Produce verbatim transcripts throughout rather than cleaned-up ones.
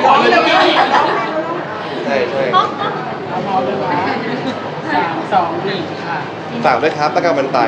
ร้องเลยใช่ใช่เอาพร้อมเลยนะสามสองหนึ่งค่ะฝากด้วยครับตะการมันตาย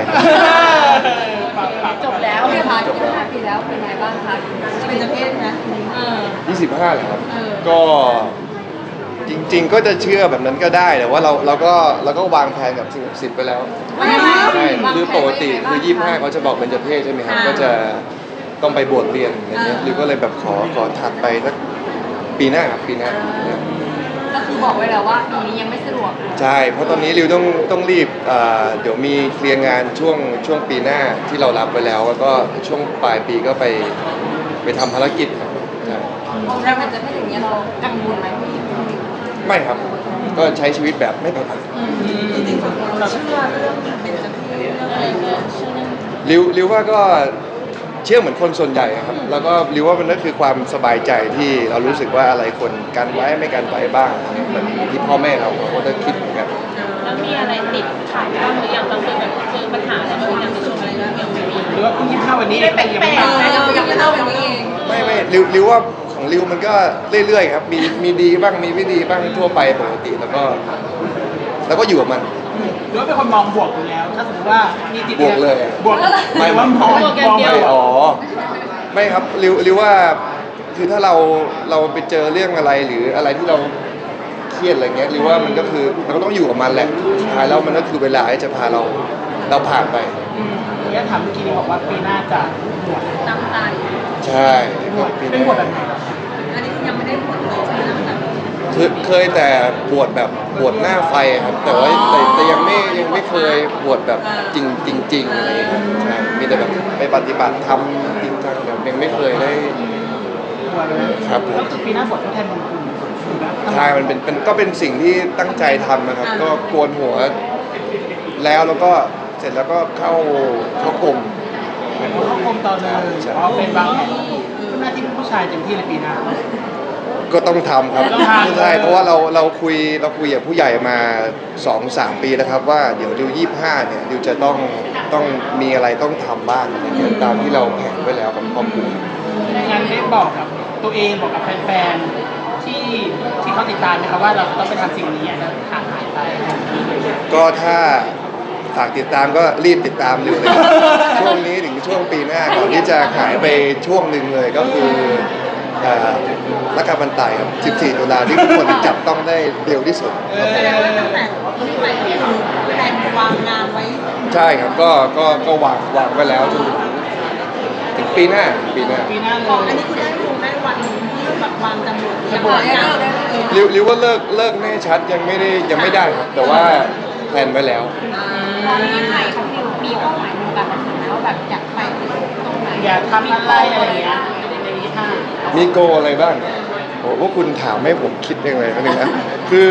จบแล้วค่ะจบแล้วปีแล้วเป็นไงบ้างคะจะเป็นเจ้าเพศนะยี่สิบห้าเหรอครับก็จริงๆก็จะเชื่อแบบนั้นก็ได้แต่ว่าเราเราก็เราก็วางแผนกับสิ่งศักดิ์สิทธิ์ไปแล้วใช่คือปกติคือยี่สิบห้าเขาจะบอกเป็นเจ้าเพศใช่ไหมครับก็จะต้องไปบวชเรียนอะไรเงี้ยหรือก็เลยแบบขอขอถัดไปสักปีหน้าครับปีหน้าก็คือบอกไว้แล้วว่าปีนี้ยังไม่สะดวกใช่เพราะตอนนี้ริวต้องต้องรีบเดี๋ยวมีเคลียร์งานช่วงช่วงปีหน้าที่เรารับไปแล้วแล้วก็ช่วงปลายปีก็ไปไปทำภารกิจครับมองแล้วมันจะไม่อย่างนี้เรากังวลไหมไม่ครับก็ใช้ชีวิตแบบไม่ประมาทจริงๆเราเชื่อเรื่องเป็นเจ้าเพศเรื่องอะไรเงี้ยเชื่อเรื่องริวริวว่าก็เชื่อเหมือนคนส่วนใหญ่ครับแล้วก็ริวว่ามันก็คือความสบายใจที่เรารู้สึกว่าอะไรคนกันไว้ไม่กันไว้บ้างเหมือนที่พ่อแม่เราเขาจะคิดเหมือนกันแล้วมีอะไรติดขัดบ้างหรือยังตอนเคยแบบเจอปัญหาอะไรบางอย่างในช่วงอะไรนะยังไม่มีหรือว่าเพิ่งยี่สิบห้าวันนี้ไม่แปลกๆยังยังไม่เล่าอย่างนี้เองไม่ไม่ริวริวว่าของริวมันก็เรื่อยๆครับมีมีดีบ้างมีไม่ดีบ้างทั่วไปปกติแล้วก็แล้วก็อยู่กับมันหรือว่าเป็นคนมองบวกอยู่แล้วถ้าสมมติว่ามีติดบวกเลยบวกไม่ว่ามองมองไม่อ๋อไม่ครับริวริวว่าคือถ้าเราเราไปเจอเรื่องอะไรหรืออะไรที่เราเครียดอะไรเงี้ยริวว่ามันก็คือเราก็ต้องอยู่กับมันแหละสุดท้ายแล้วมันก็คือเวลาที่จะพาเราเราผ่านไปเนี่ยถามเมื่อกี้นี่บอกว่าปีหน้าจะบวชตั้งใจใช่บวชเป็นบวชแบบไหนอันนี้ยังไม่ได้บวชเลยใช่ไหมเคยเคยแต่บวชแบบบวชหน้าไฟครับแต่ว่าแต่แต่ยังไม่ยังไม่เคยบวชแบบจริงจริงจริงอะไรอย่างเงี้ยใช่มีแต่แบบไปปฏิบัติธรรมจริงจังแบบยังไม่เคยได้ครับผมก็คือปีหน้าบวชทดแทนบุญคุณใช่มันเป็นเป็นก็เป็นสิ่งที่ตั้งใจทำนะครับก็โกนหัวแล้วแล้วก็เสร็จแล้วก็เข้าเข้ากรมเข้ากรมตอนเลยเพราะเป็นบางแผนหน้าที่ผู้ชายเต็มที่ในปีหน้าก็ต้องทำครับใช่เพราะว่าเราเราคุยเราคุยกับผู้ใหญ่มา สองสาม ปีแล้วครับว่าเดี๋ยวดิวยี่สิบห้าเนี่ยดิวจะต้องต้องมีอะไรต้องทำบ้างอะไรเงี้ยตามที่เราแผนไว้แล้วกับครอบครัวงานได้บอกกับตัวเองบอกกับแฟนๆที่ที่เขาติดตามนะครับว่าเราต้องไปทำสิ่งนี้ห่างหายไปก็ถ้าฝากติดตามก็รีบติดตามริวเลยครับช่วงนี้ถึงช่วงปีหน้าก่อนที่จะหายไปช่วงหนึ่งเลยก็คือรักการบันไตครับสิบสี่ตุลาที่ทุกคนจับต้องได้เร็วที่สุดแสดงว่าตั้งแต่ที่ไปเนี่ยแผนวางงานไว้ใช่ครับก็ก็ก็วางวางไว้แล้วจนถึงปีหน้าปีหน้าปีหน้าเลยอันนี้คือได้รู้ได้วันที่แบบวางจำนวนจะบอกได้ริวริวว่าเลิกเลิกแน่ชัดยังไม่ได้ยังไม่ได้ครับแต่ว่าแพลนไว้แล้วตอนนี้ใหม่เขามีเป้าหมายในการทำไหมว่าแบบอยากไปตรงไหนอยากทำอะไรอะไรอย่างเงี้ยมีโกอะไรบ้างโอ้พวกคุณถามให้ผมคิดยังไงนะนึงนะคือ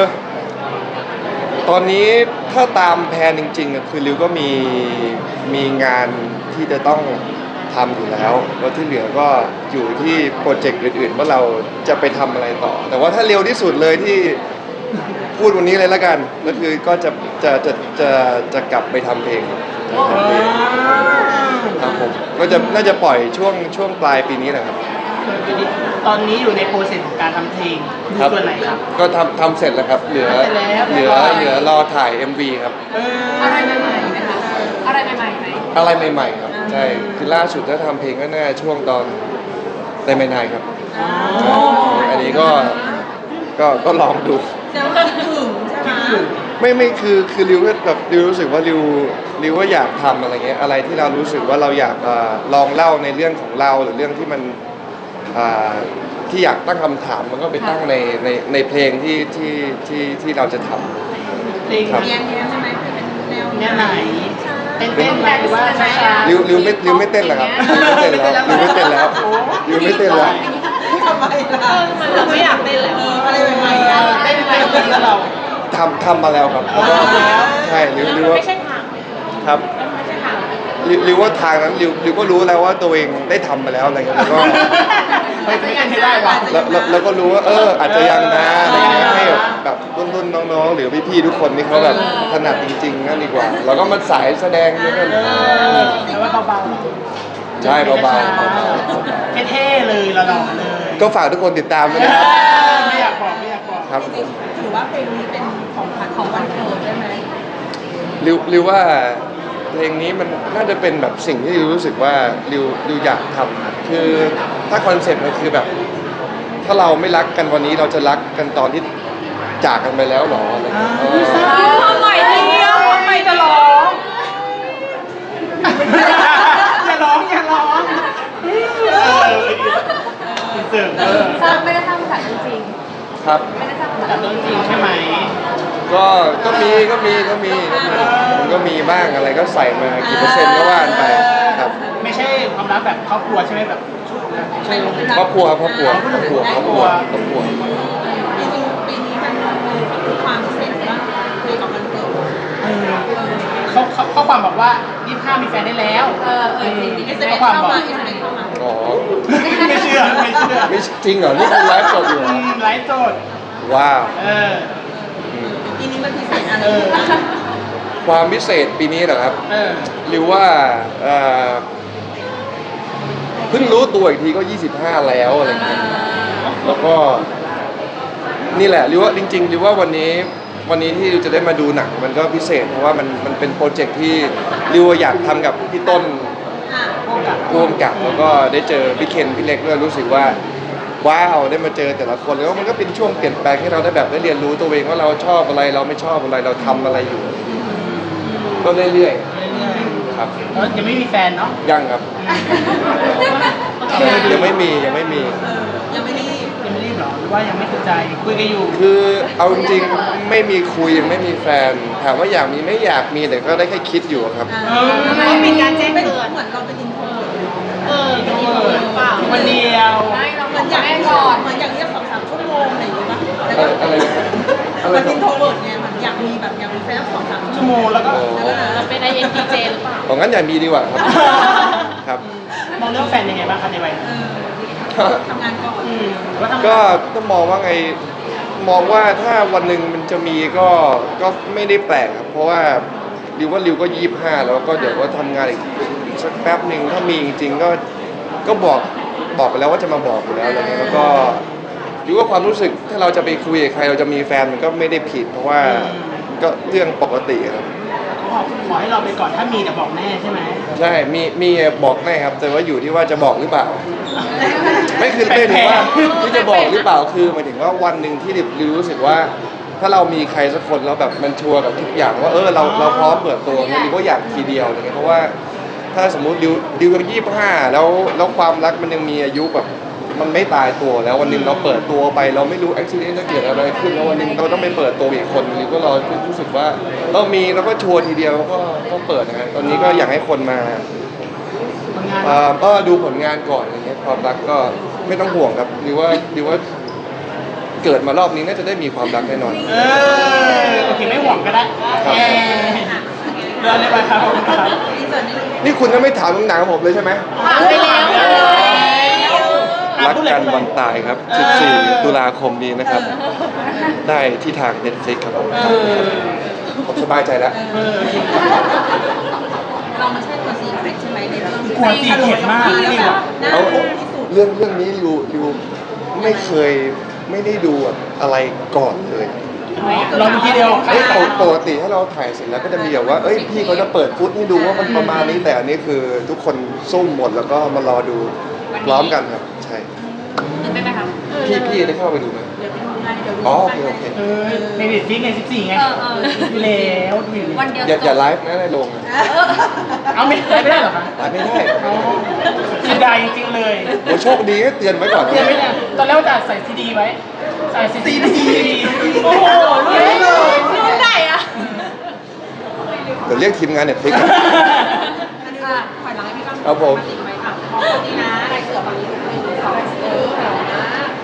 ตอนนี้ถ้าตามแผนจริงๆคือริวก็มีมีงานที่จะต้องทำอยู่แล้วแล้วที่เหลือก็อยู่ที่โปรเจกต์อื่นๆว่าเราจะไปทำอะไรต่อแต่ว่าถ้าเร็วที่สุดเลยที่พูดวันนี้เลยละกันก็คือก็จะจะจะจะจะกลับไปทำเพลงครับผมก็จะน่าจะปล่อยช่วงช่วงปลายปีนี้แหละครับตอนนี้อยู่ในโปรเซสของการทำเพลงส่วนไหนครับก็ทำทำเสร็จแล้วครับเหลือเหลือเหลือรอถ่าย เอ็ม วี ครับอะไรใหม่ๆไหมคะอะไรใหม่ๆไหมอะไรใหม่ๆครับใช่คือล่าสุดถ้าทำเพลงก็น่าช่วงตอนไดมายนายครับอันนี้ก็ก็ก็ลองดูจะคิดถึงใช่ไหมไม่ไม่คือคือริวแบบริวรู้สึกว่าริวริวว่าอยากทำอะไรเงี้ยอะไรที่เรารู้สึกว่าเราอยากลองเล่าในเรื่องของเราหรือเรื่องที่มันที่อยากตั้งคำถามมันก็ไปตั้งในในในเพลงที่ที่ที่ที่เราจะทำเพลงเนี้ยเนี้ยใช่ไหมเป็นแนวแนวไหนเต้นเต้นไหมหรือว่าช้าๆริวริวไม่ริวไม่เต้นแล้วครับริวไม่เต้นแล้วริวไม่เต้นแล้วริวไม่เต้นแล้วทำไมล่ะเราไม่อยากเต้นแล้วอะไรใหม่ๆเต้นไปแล้วเราทำทำมาแล้วครับใช่ริวริวว่าครับริวว่าทางนั้นริวริวก็รู้แล้วว่าตัวเองได้ทำมาแล้วอะไรเงี้ยแล้วก็ไม่ยังไม่ได้ว่ะแล้วก็รู้ว่าเอออาจจะยังนะอะไรเงี้ยให้แบบรุ่นๆน้องๆหรือพี่ๆทุกคนที่เขาแบบถนัดจริงๆนั่นดีกว่าเราก็มาสายแสดงด้วยกันแต่ว่าเบาๆใช่เบาๆเท่ๆเลยหล่อๆเลยก็ฝากทุกคนติดตามด้วยนะครับไม่อยากบอกไม่อยากบอกครับจริงๆถือว่าเพลงนี้เป็นของขวัญของวันเกิดได้ไหมริวริวว่าเพลงนี้มันน่าจะเป็นแบบสิ่งที่ริวรู้สึกว่าริวริวอยากทำคือถ้าคอนเซ็ปต์มันคือแบบ ถ้าเราไม่รักกันวันนี้เราจะรักกันตอนที่จากกันไปแล้วหรออะไรอย่างเงี้ยเออความใหม่เดียวความใหม่จะจะร้ร้อองอย่าร้องอย่าร้องเออเสิร์ฟเออสร้างไม่ได้สร้างมาจากจริงครับไม่ได้สร้างมาแต่จากต้นจริงใช่ไหมก็ก็มีก็มีก็มีก็มีมันก็มีบ้างอะไรก็ใส่มากี่เปอร์เซ็นต์ก็ว่านไปครับไม่ใช่ความรักแบบครอบครัวใช่ไหมแบบใช่ครอบครัวครอบครัวครอบครัวครอบครัวครอบครัวจริงๆปีนี้มันมีความพิเศษมากคุยกับวันเกิดเออเขาเขาข้อความบอกว่ายี่สิบห้ามีแฟนได้แล้วเออเออจริงๆเอสเอ็มข้อเอสความเข้าบอกมาเอสเอ็มเอสเข้ามาอ๋อไม่เชื่อไม่เชื่อไม่จริงเหรอนี่คือไลฟ์สดอยู่เหรอือมไลฟ์สดว้าวเอออืมปีนี้มันพิเศษอะไรเออบ้างความพิเศษปีนี้เหรอครับเออหรือว่าเอ่อเพิ่งรู้ตัวอีกทีก็ยี่สิบห้าแล้วอะไรเงี้ยแล้วก็นี่แหละหรือว่าจริงๆหรือว่าวันนี้วันนี้ที่จะได้มาดูหนังมันก็พิเศษเพราะว่ามันมันเป็นโปรเจกต์ที่ริวอยากทำกับพี่ต้นอ่ะพวกกับร่วมกับแล้วก็ได้เจอพี่เคนพี่เล็กด้วยรู้สึกว่าว้าวได้มาเจอแต่ละคนแล้วมันก็เป็นช่วงเปลี่ยนแปลงให้เราได้แบบได้เรียนรู้ตัวเองว่าเราชอบอะไรเราไม่ชอบอะไรเราทำอะไรอยู่ ก็เรื่อยเรื่อยๆครับๆแล้วยังไม่มีแฟนเนาะยังครับยังไม่มียังไม่มีเออยังไม่รีบยังไม่รีบเหรอหรือว่ายังไม่ถูกใจคุยกันอยู่คือเอาจริงๆไม่มีคุยยังไม่มีแฟนถามว่าอยากมีไม่อยากมีแต่ก็ได้แค่คิดอยู่ครับอ่าไม่เป็นการแจ้งเตือนเหมือนเราเป็นอินโทรเวิร์ตเออเป็นอินโทรเวิร์ตเปล่าคนเดียวไม่เราเหมือนอย่างก่อนเหมือนอย่างเรียกสองสามชั่วโมงอะไรอย่างเงี้ยป่ะแล้วก็อะไรนะอะไรมันนะอินโทรเวิร์ตไงมันอยากมีแบบอยากมีแฟนสองสามชั่ชั่ววโมโมงงแล้วก็แล้วก็เราเป็นไอเอ็นทีเจหรือเปล่าของงั้นอย่ามีดีกว่าครับครับมองเรื่องแฟนยังไงบ้างคะในวัยเอนี้อทำงานก่อนอืมหรือว่าทำงานก็ต้องมองว่าไงมองว่าถ้าวันหนึ่งมันจะมีก็ก็ไม่ได้แปลกครับเพราะว่าริวว่าริวก็ยี่สิบห้าแล้วก็เดี๋ยวก็ทำงานอีกอีกสักแป๊บหนึ่งถ้ามีจริงๆก็ก็บอกบอกไปแล้วว่าจะมาบอกอยู่แล้วอะไรเงี้ยแล้วก็ริวว่าความรู้สึกถ้าเราจะไปคุยกับใครเราจะมีแฟนมันก็ไม่ได้ผิด เพราะว่าก็เรื่องปกติครับขอขอให้เราไปก่อนถ้ามีแต่บอกแน่ใช่ไหมใช่มีมีบอกแน่ครับ แต่ว่าอยู่ที่ว่าจะบอกหรือเปล่า ไม่คือไม่ถึงว่าที่จะบอกหรือเปล่าคือหมายถึงว่าวันหนึ่งที่ริวรู้สึกว่า ถ้าเรามีใครสักคนแล้วแบบมันชัวร์กับทุกอย่างว่าเออเราเราพร้อมเปิดตัวเนี่ยริวก็อยากทีเดียวอะไรเงี้ยเพราะว่าถ้าสมมุติริวริวยังยี่สิบห้าแล้วแล้วความรักมันยังมีอายุแบบมันไม่ตายตัวแล้ววันหนึ่งเราเปิดตัวไปเราไม่รู้อุบิเหตุจะเกิดอะไรขึ้นแล้ววันหนึ่งเราต้องไปเปิดตัวอีกคนริวก็รอรู้สึกว่าเรามีแล้วก็ชัวร์ทีเดียวก็ก็เปิดนะฮะตอนนี้ก็อยากให้คนมาทำงานเอ่อก็ดูผลงานก่อนอะไรเงี้ยความรักก็ไม่ต้องห่วงครับหรือว่าหรือว่าเกิดมารอบนี้น่าจะได้มีความรักแน่นอนเออโอเคไม่ห่วงก็ได้ครับเออเดินเลยไปครับผมครับอินเสิร์ตนิดนึงนี่คุณก็ไม่ถามหนังผมเลยใช่ไหมถามไปแล้วรักกันวันตายครับสิบสี่ตุลาคมนี้นะครับ ได้ที่ทาง Netflix ครับผมเออผมสบายใจแล้วเออเราไม่ใช่ตัวซีเค็ดใช่ไหมในเรื่องกลัวซีเค็ดมากที่นี่แบว่ะบน่าเอาดูที่สุดเรื่องเรื่องนี้ริวริวไม่เคยไม่ได้ดูอะไรก่อนเลยเราดูทีเดียวเอ้ยปกปกติถ้าเราถ่ายเสร็จแล้วก็จะมีแบบว่าเอ้ยพี่เขาจะเปิดฟุตให้ดูว่ามันประมาณนี้แต่อันนี้คือทุกคนซุ่มหมดแล้วก็มารอดูพร้อมกันครับใช่ตื่นเต้นไหมคะพี่พี่ได้เข้าไปดูไหมเดี๋ยวไปดูงานเดี๋ยวดูอ๋อโอเคโอเคเออในเด็ดฟิกในสิบสี่ไงเออเออดูแล้วดูอยู่วันเดียวอย่าจอย่าบไลฟ์นะในโรงนะเอาไม่ได้ไม่ได้เหรอคะไลฟ์ไม่ได้อ๋อเสียดายจริงๆเลยโอ้โชคดีก็เตือนไว้ก่อนเรียนไม่ได้ตอนแรกว่าจะใส่ซีดีไว้ ใส่ซีดีโอ้โหรู้เลยรู้ไหนอ่ะเดี๋ยวเรียกทีมงานเน็ตฟลิกอ่ะถอยหลังให้พี่ก้องครับผมติดไว้ค่ะมองตรงนี้นะลายเสือฝั่งนี้หนึ่งสองเออนะ